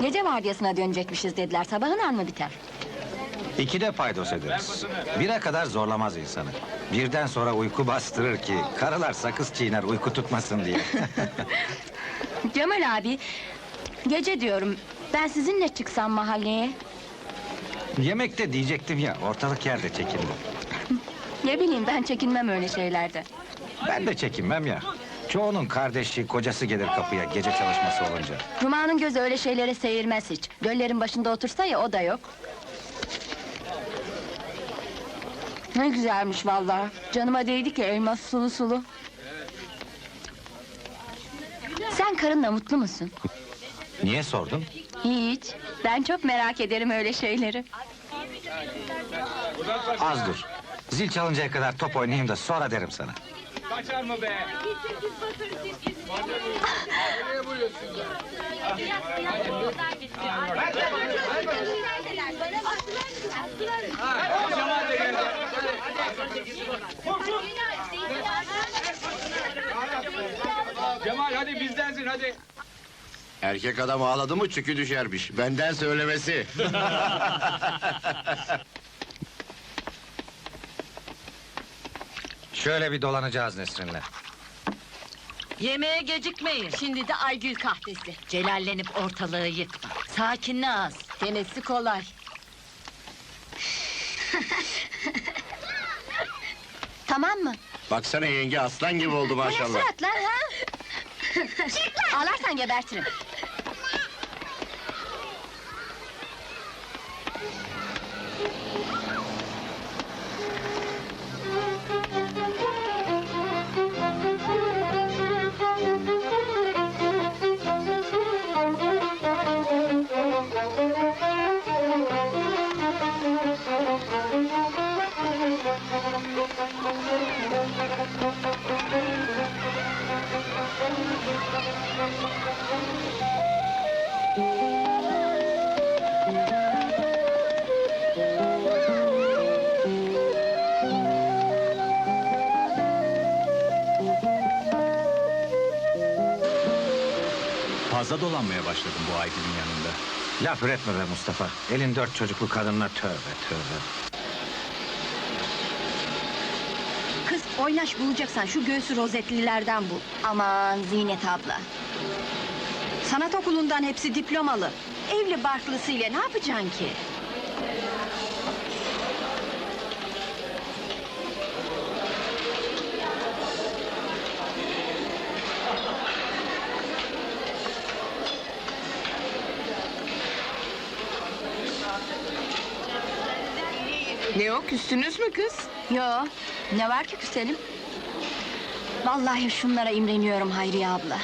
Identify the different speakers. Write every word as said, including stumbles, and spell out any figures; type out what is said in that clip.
Speaker 1: Gece vardiyasına dönecekmişiz dediler, sabahın mı biter?
Speaker 2: İkide paydos ederiz. Bire kadar zorlamaz insanı. Birden sonra uyku bastırır ki... ...karılar sakız çiğner uyku tutmasın diye.
Speaker 1: Cemal abi, gece diyorum, ben sizinle çıksam mahalleye?
Speaker 2: Yemekte diyecektim ya, ortalık yerde çekindim.
Speaker 1: Ne bileyim, ben çekinmem öyle şeylerde.
Speaker 2: Ben de çekinmem ya. Çoğunun kardeşi, kocası gelir kapıya gece çalışması olunca.
Speaker 1: Cuma'nın gözü öyle şeylere seyirmez hiç. Göllerin başında otursa ya, o da yok. Ne güzelmiş vallahi. Canıma değdi ki, elmas sulu sulu. Sen karınla mutlu musun?
Speaker 2: Niye sordun?
Speaker 1: Hiç. Ben çok merak ederim öyle şeyleri.
Speaker 2: Az dur. Zil çalıncaya kadar top oynayayım da sonra derim sana.
Speaker 3: Kaçar mı be? Cemal hadi bizdensin hadi.
Speaker 4: Erkek adam ağladı mı çükü düşermiş. Benden söylemesi.
Speaker 2: Şöyle bir dolanacağız Nesrin'le.
Speaker 5: Yemeğe gecikmeyin.
Speaker 1: Şimdi de Aygül kahvesi.
Speaker 5: Celallenip ortalığı yıkma. Sakinle az.
Speaker 1: Denesi kolay. Tamam mı?
Speaker 4: Baksana yenge aslan gibi oldu
Speaker 1: Bu ne
Speaker 4: maşallah.
Speaker 1: surat lan ha? Ağlarsan gebertirim.
Speaker 6: Fazla dolanmaya başladım bu Aygül'ün yanında.
Speaker 2: Laf üretme be Mustafa. Elin dört çocuklu kadınla tövbe tövbe.
Speaker 1: Kız, oynaş bulacaksan şu göğsü rozetlilerden bul. Aman Zinet abla. Sanat okulundan hepsi diplomalı. Evli barklısıyla ne yapacaksın ki?
Speaker 7: Ne o, küstünüz mü kız?
Speaker 1: Yo, ne var ki küselim? Vallahi şunlara imreniyorum Hayriye abla.